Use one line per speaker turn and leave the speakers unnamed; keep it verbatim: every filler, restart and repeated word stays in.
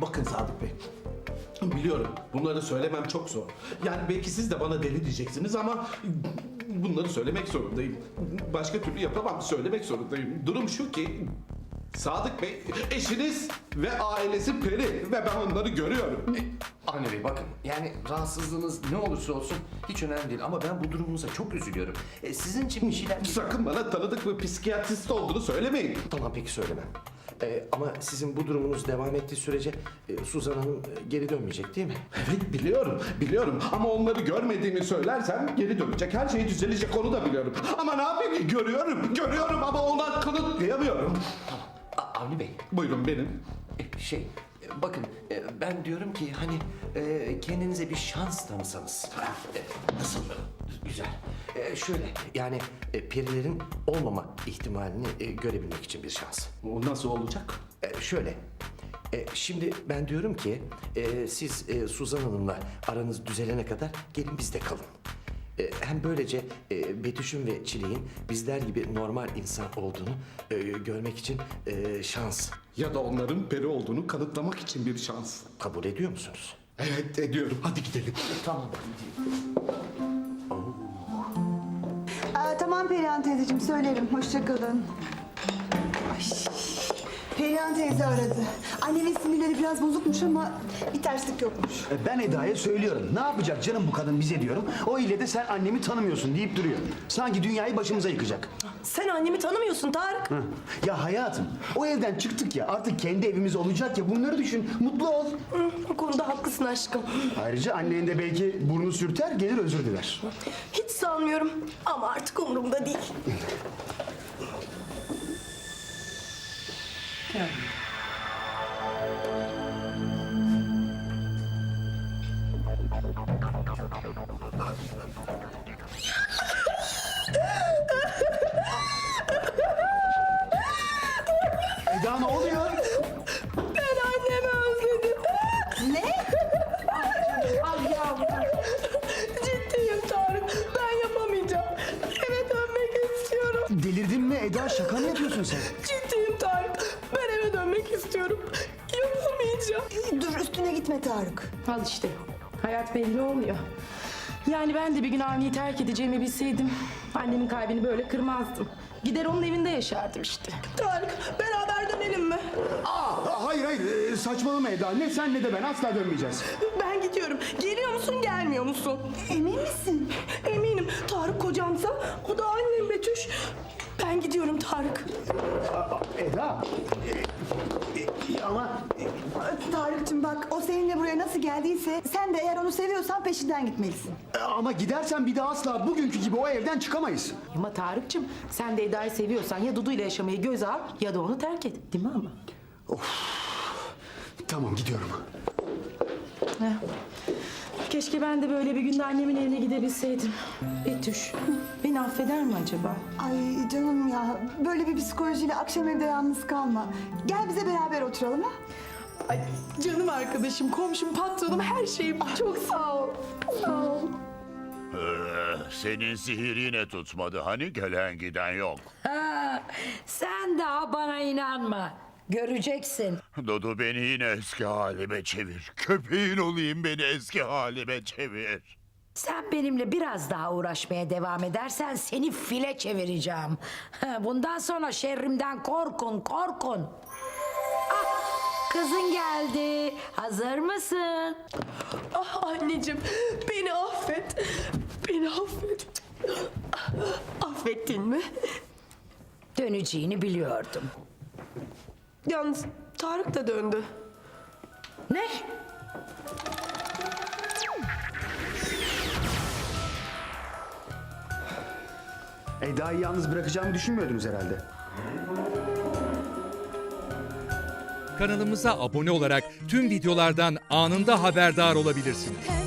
Bakın Sadık Bey. Biliyorum bunları söylemem çok zor. Yani belki siz de bana deli diyeceksiniz ama bunları söylemek zorundayım. Başka türlü yapamam, söylemek zorundayım. Durum şu ki Sadık Bey eşiniz ve ailesi peri ve ben onları görüyorum.
Avni Bey bakın, yani rahatsızlığınız ne olursa olsun hiç önemli değil ama ben bu durumunuza çok üzülüyorum. E, sizin için bir şeyler...
Sakın bana tanıdık bir psikiyatrist olduğunu söylemeyin.
Tamam peki söylemem. E, ama sizin bu durumunuz devam ettiği sürece e, Suzan Hanım e, geri dönmeyecek değil mi?
Evet biliyorum, biliyorum ama onları görmediğimi söylersem geri dönecek. Her şey düzelecek onu da biliyorum. Ama ne yapayım ki görüyorum, görüyorum ama ona kanıtlayamıyorum.
A- Avni Bey,
Buyurun benim.
e, şey, e, bakın e, ben diyorum ki hani e, kendinize bir şans tanısanız. E, nasıl? Güzel. E, şöyle, yani e, perilerin olmama ihtimalini e, görebilmek için bir şans.
O nasıl olacak?
E, şöyle, e, şimdi ben diyorum ki e, siz e, Suzan Hanım'la aranız düzelene kadar gelin bizde kalın. E, hem böylece e, Betüş'ün ve Çilek'in bizler gibi normal insan olduğunu e, görmek için e, şans.
Ya da onların peri olduğunu kanıtlamak için bir şans.
Kabul ediyor musunuz?
Evet ediyorum. Hadi gidelim.
Tamam.
Aa, tamam Perihan teyzeciğim söylerim. Hoşça kalın. Ay, Perihan teyze aradı. Annemin sinirleri biraz bozukmuş ama bir terslik yokmuş.
Ben Eda'ya söylüyorum. Ne yapacak canım bu kadın bize diyorum. O ile de sen annemi tanımıyorsun deyip duruyor. Sanki dünyayı başımıza yıkacak.
Sen annemi tanımıyorsun Tarık.
Hı. Ya hayatım o evden çıktık ya artık kendi evimiz olacak ya bunları düşün. Mutlu ol.
Hı, o konuda haklısın aşkım.
Ayrıca annen de belki burnu sürter gelir özür diler.
Hiç sanmıyorum ama artık umurumda değil.
Eda ne oluyor?
Ben annemi özledim.
Ne?
Ciddiyim Tarık. Ben yapamayacağım. Eve dönmek istiyorum.
Delirdin mi Eda şaka mı yapıyorsun sen?
Ciddiyim Tarık. Ben eve dönmek istiyorum. Yapamayacağım.
Dur üstüne gitme Tarık.
Al işte. Hayat belli olmuyor. Yani ben de bir gün Avni'yi terk edeceğimi bilseydim annemin kalbini böyle kırmazdım. Gider onun evinde yaşardım işte.
Tarık beraber dönelim mi?
Aa, hayır hayır ee, saçmalama Eda. Ne sen ne de ben asla dönmeyeceğiz.
Ben gidiyorum. Geliyor musun gelmiyor musun?
Emin misin?
Eminim. Tarık kocamsa o da annem Betüş. Ben gidiyorum Tarık.
Eda. e, e, ama
Tarık'cığım bak o seninle buraya nasıl geldiyse sen de eğer onu seviyorsan peşinden gitmelisin.
e, ama gidersen bir daha asla bugünkü gibi o evden çıkamayız.
Ama Tarık'cığım sen de Eda'yı seviyorsan ya Dudu ile yaşamayı göze al ya da onu terk et. Değil mi ama?
Tamam gidiyorum.
Heh. Keşke ben de böyle bir günde annemin evine gidebilseydim. Betüş beni affeder mi acaba?
Ay canım ya böyle bir psikolojiyle akşam evde yalnız kalma. Gel bize beraber oturalım ha.
Ay canım arkadaşım, komşum, patronum, her şeyim. Çok sağ ol. Sağ ol.
Ee, senin sihir yine tutmadı. Hani gelen giden yok.
Ha, sen daha bana inanma. Göreceksin.
Dudu beni yine eski halime çevir. Köpeğin olayım beni eski halime çevir.
Sen benimle biraz daha uğraşmaya devam edersen seni file çevireceğim. Ha, bundan sonra şerrimden korkun, korkun. Ah, kızın geldi. Hazır mısın?
Ah anneciğim, beni affet. Beni affet. Affettin mi?
Döneceğini biliyordum.
Yalnız Tarık da döndü.
Ne?
Eda'yı yalnız bırakacağımı düşünmüyordunuz herhalde.
Kanalımıza abone olarak tüm videolardan anında haberdar olabilirsiniz.